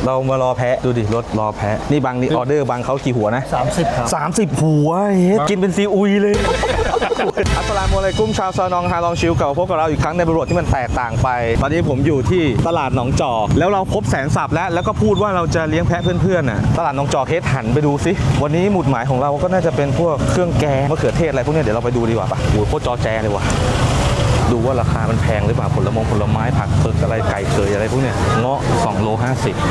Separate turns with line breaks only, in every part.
เรามารอแพะดูดิรถรอแพะนี่บางนี่ออเดอร์บางเขากี่หัวนะ
30ครับ
30หัวกินเป็นซีอุยเลยอัสสลามุอะลัยกุมชาวซานองฮาลองชิลเก่าพบกับเราอีกครั้งในบริบทที่มันแตกต่างไปตอนนี้ผมอยู่ที่ตลาดหนองจอกแล้วเราพบแสนสับแล้วก็พูดว่าเราจะเลี้ยงแพะเพื่อนๆน่ะตลาดหนองจอกเฮดหันไปดูสิวันนี้หมุดหมายของเราก็น่าจะเป็นพวกเครื่องแกงมะเขือเทศอะไรพวกนี้เดี๋ยวเราไปดูดีกว่าป่ะโอ้โหโคตรจอแจเลยว่ะดูว่าราคามันแพงหรือเปล่าผลไม้ผักเผือกอะไรไก่เคยอะไรพวกเนี้ยเงาะ2 โล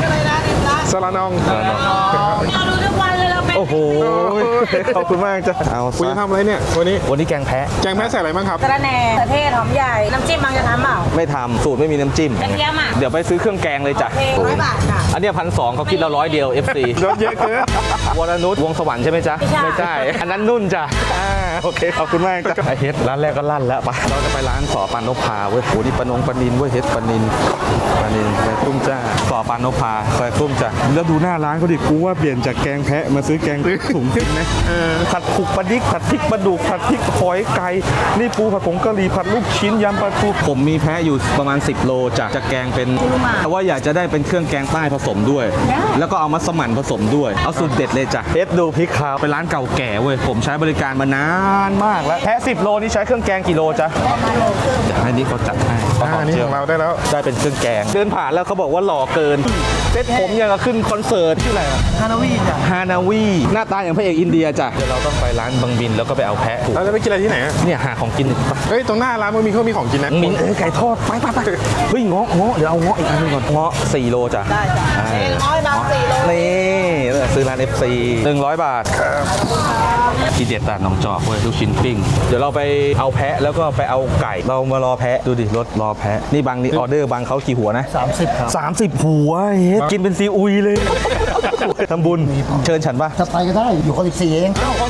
50
สลานอง
เราดูทุกวันเลยเราเป็น
โอ้โหขอบคุณมากจ้ะเอา
คุณจะทำอะไรเนี่ยวันนี้
แกงแพะ
ใส่อะไรบ้างครับ
กระแหน่กระเทศหอมใหญ่น้ำจิ้มบางจะทำเปล่า
ไม่ทำสูตรไม่มีน้ำจิ้ม
กระเทียมอ่ะ
เดี๋ยวไปซื้อเครื่องแกงเลยจ้ะ
100 บาทค่ะ
อันนี้1,200เขาคิดเรา100 เดียว FC
รถเยอะเกิน
วรนุชวงสวรรค์ใช่ไหมจ๊ะไม่ใช่อันนั้นนุ่นจ้ะโอเคขอบคุณมากจ้ะไอเฮ็ดร้านแรกก็ลั่นแล้วปะเราจะไปร้านสอปานนพาเว้ยโหนี่ปลานินเว้ยเฮ็ดปลานินแกงตุ้มจ้าสอปานนพาแกงตุ้มจ้ะแล้วดูหน้าร้านเขาดิกูว่าเปลี่ยนจากแกงแพะมาซื้อแกงถุงจริงนะผัดผุกปลาดิกผัดพริกปลาดุกผัดพริกหอยไก่นี่ปูผัดผงกะหรี่ผัดลูกชิ้นยำปลาทูผมมีแพะอยู่ประมาณ10 โลจะแกงเป็นแต่ว่าอยากจะได้เป็นเครื่องแกงใต้ผสมด้วยแล้วก็เอามัสมั่นผสมด้วยเอาสูตรเด็ดเลยจ้ะเฮ็ดดูพริกขาวเป็นร้านเก่าแก่เว้ยผมใช้บริการมานานมากแล้วแพะ10 โลนี่ใช้เครื่องแกงกี่โลจ๊ะเดี๋ยวให้นี่เขาจัดให้
นี่ของเราได้แล้ว
ได้เป็นเครื่องแกงเดินผ่านแล้วเขาบอกว่าหล่อเกินเซ็ตผมยังกับขึ้นคอนเสิร์ตชื่ออะไร
ฮานาวีจ้ะ
ฮานาวีหน้าตาอย่างพระเอกอินเดียจ้ะเดี๋ยวเราต้องไปร้านบางบินแล้วก็ไปเอาแพะ
เราจะไปกินอะไรที่ไหน
เนี่ยหาของกิน
เฮ้ยตรงหน้าร้านมันมีของกินนะ
มีไก่ทอดไปเฮ้ยเงาะเดี๋ยวเอาเงาะอีกอันนึงก่อนเงาะ4 โลจ้ะ
ได้จ้ะ100 บาท4 โล
นี่ซื้อร้าน FC 100 บาททีเด็ดตลาดหนองจอกเว้ยลูกชิ้นปิ้งเดี๋ยวเราไปเอาแพะแล้วก็ไปเอาไก่เรามารอแพะดูดิรถรอแพะนี่บางนี่ออเดอร์บางเขากี่หัวนะ
30ครับ
30หัวกินเป็นซีอุยเลยทำบุญเชิญฉันป่ะ
จะไปก็ได้อยู่ข้อ14เอง
ข้อ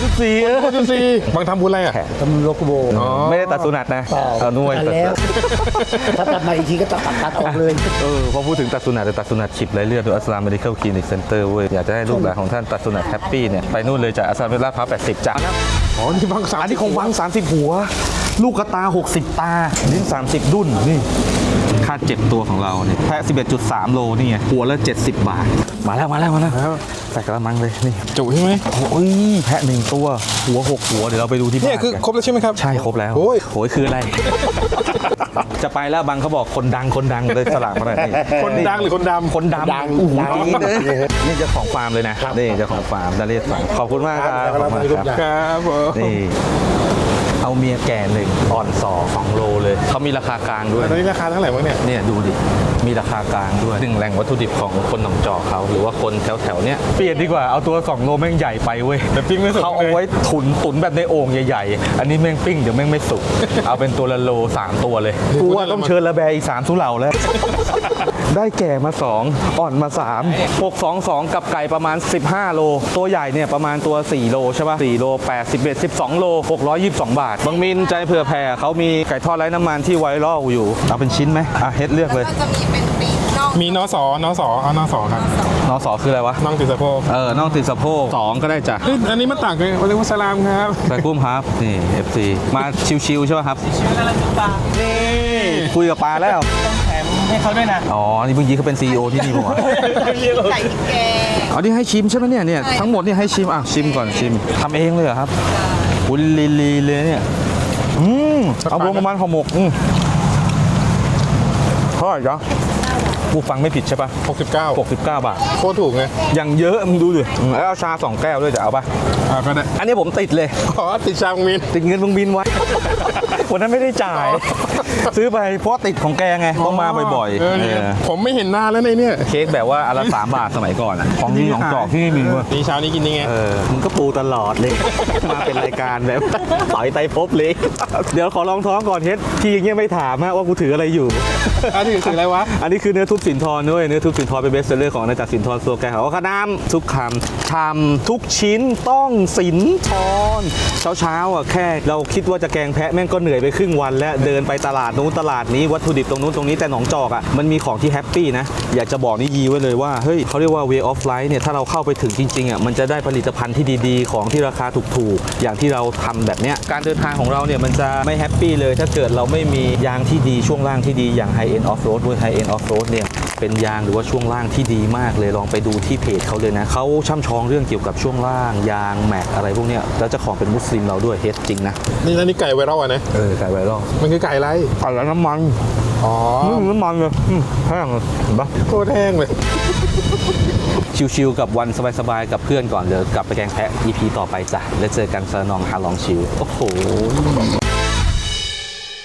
14
บางทำบุญอะไรอ่ะ
ทำโลกโบ
ไม่ได้ตัดสุนัตนะเอานุ่ย
ตัดแล้วถ้าตัดมาอีกทีก็ตัดออกเลย
พอพูดถึงตัดสุนัตตัดสุนัตฉีดไรเลือดโดยอัสลามเมดิคอลคลินิกเซ็นเตอร์เว้ยอยากจะให้ลูกหลานของท่านตัดสุนัตแฮปปี้เนี่ยไปนู่นเลยจากอัสลามลาดพร้าว80จ้ะ
อ๋อนี่บาง
อันนี้ของบาง30หัวลูกกระตา60ตาลิ้น30ดุ้นนี่ค่าเจ็บตัวของเราเนี่ยแพะ 11.3 โลนี่ไงหัวละ70 บาทมาแล้วใส่กระมังเลยนี่
จุใช่ไหม
โอ้ยแพะ1 ตัวหัว6 หัวเดี๋ยวเราไปดูที่บ้าน
นี่คือครบแล้วใช่ไหมครับ
ใช่ครบแล้วโอ้ยคืออะไรจะไปแล้วบางเขาบอกคนดังเลยสลากมาหน่อย
คนดังหรือคนดำ
คนดำนี่เจ้าของฟาร์มเลยนะนี่เจ้าของฟาร์มดาเลียสขอบคุณมากครับ
ครับ
นี่เอาเมียแก่1อ่อน2 โลเลยเขามีราคากลางด้วย
ตอนนี้ราคาเท่าไหร่บ้าง
เนี่ยดูดิมีราคากลางด้วย1แหล่งวัตถุดิบของคนหนองจอกเขาหรือว่าคนแถวเนี้ยเปลี่ยนดีกว่าเอาตัว2 โลแม่งใหญ่ไปเว้ย
แต่ปิ้งไม่สุก
เขาเอาไว้ตุ๋นแบบในโอ่งใหญ่ๆอันนี้แม่งปิ้งเดี๋ยวแม่งไม่สุกเอาเป็นตัวละโล3 ตัวเลยกูว่าต้องเชิญระแบอีก3 สุเหร่าแล้วได้แก่มา2อ่อนมา3 622กับไก่ประมาณ15 โลตัวใหญ่เนี่ยประมาณตัว4 โลใช่ป่ะ4 โล81 12 โล622 บาทบางมินใจเผื่อแผ่เขามีไก่ทอดไร้น้ำมันที่ไวรัลอยู่เอาเป็นชิ้นไหมเฮ็ดเลือกเลย
จะมีเป็นปีกน่อง
มีนอสเอานอสครับ
นอสอคืออะไรวะ
น่องติดสะโพก
น่องติดสะโพก2ก็ได้จ้ะ
อันนี้มันต่างกันวันนี้มุสลามครับ
ใส่กุ้มครับนี่ FC มาชิวๆใช่ป่ะครับ
ชิวๆอะไรปลา
นี่คุยกับปลาแล้ว
ต้องแถมให้เขาด้วยนะ
อ๋อนี่เมื่อกี้เขาเป็น CEO ที่นี่ผมอ่ะ
ไก่แกง
อ๋อนี่ให้ชิมใช่ไหมเนี่ยทั้งหมดนี่ให้ชิมชิมก่อนชิมทำเองเลยเหรอครับอุ้ยลีเลยเนี่ยเอารวมประมาณห่อหมกเท่าไหร่จ๊ะกูฟังไม่ผิดใช่ป่ะ69 บาท
โคตรถูกไง
อย่างเยอะมึงดูดิแล้วเอาชา2 แก้วด้วยจะเอาป่ะ
ก็ได้
อันนี้ผมติดเลย
ติดชาบางบิน
ติดเงินบางบินไว้วันนั้นไม่ได้จ่ายซื้อไปเพราะติดของแกไงต้องมาบ่อย
ๆผมไม่เห็นหน้าแล้วในเนี่ย
เค้กแบบว่าอันละ3 บาทสมัยก่อนของนี่ของจอกที่มี
นี่เช้านี้กินยังไง
มึงก็ปูตลอดเลยมาเป็นรายการแบบต่อยไตพบเลยเดี๋ยวขอลองท้องก่อนเฮ็ดพี่อย่างเงี้ยไม่ถามว่ากูถืออะไรอยู่
อันนี้ถืออะไรวะ
อันนี้คือเนื้อทุบสินทรด้วยเนื้อทุบสินทรเป็นเบสเซอร์ของอาณาจักรสินทรโซแกนเขาขนามทุกคำทำทุกชิ้นต้องสินทรเช้าแค่เราคิดว่าจะแกงแพะแม่งก็เหนื่อยไปครึ่งวันแล้วเดินไปตลาดนู้นตลาดนี้วัตถุดิบตรงนู้นตรงนี้แต่หนองจอกมันมีของที่แฮปปี้นะอยากจะบอกนี่ยีไว้เลยว่าเฮ้ยเขาเรียกว่า way of life เนี่ยถ้าเราเข้าไปถึงจริงๆมันจะได้ผลิตภัณฑ์ที่ดีๆของที่ราคาถูกๆอย่างที่เราทำแบบเนี้ยการเดินทางของเราเนี่ยมันจะไม่แฮปปี้เลยถ้าเกิดเราไม่มียางที่ดีช่วงล่างที่ดีอย่าง high end off road ด้วย high end off road เนี่ยเป็นยางหรือว่าช่วงล่างที่ดีมากเลยลองไปดูที่เพจเขาเลยนะเขาช่ำชองเรื่องเกี่ยวกับช่วงล่างยางแม็กอะไรพวกเนี้ยแล้วเจ้าของเป็นมุสลิมเราด้วยเฮดจริงนะ
นี่แล้วนี่ไก่ไวรัลอ่ะนะ
ไก่ไวรัล
มันคือไก่อะไร
ไก่แล้วน้ำมัน
อ๋อ
น้ำมันเลยแห้งเลยเห็นปะ
โคตรแห้งเลย
ชิวๆกับวันสบายๆกับเพื่อนก่อนเดี๋ยวกลับไปแกงแพะ EP ต่อไปจ้ะแล้วเจอกันสนองฮาลองชิวโอ้โห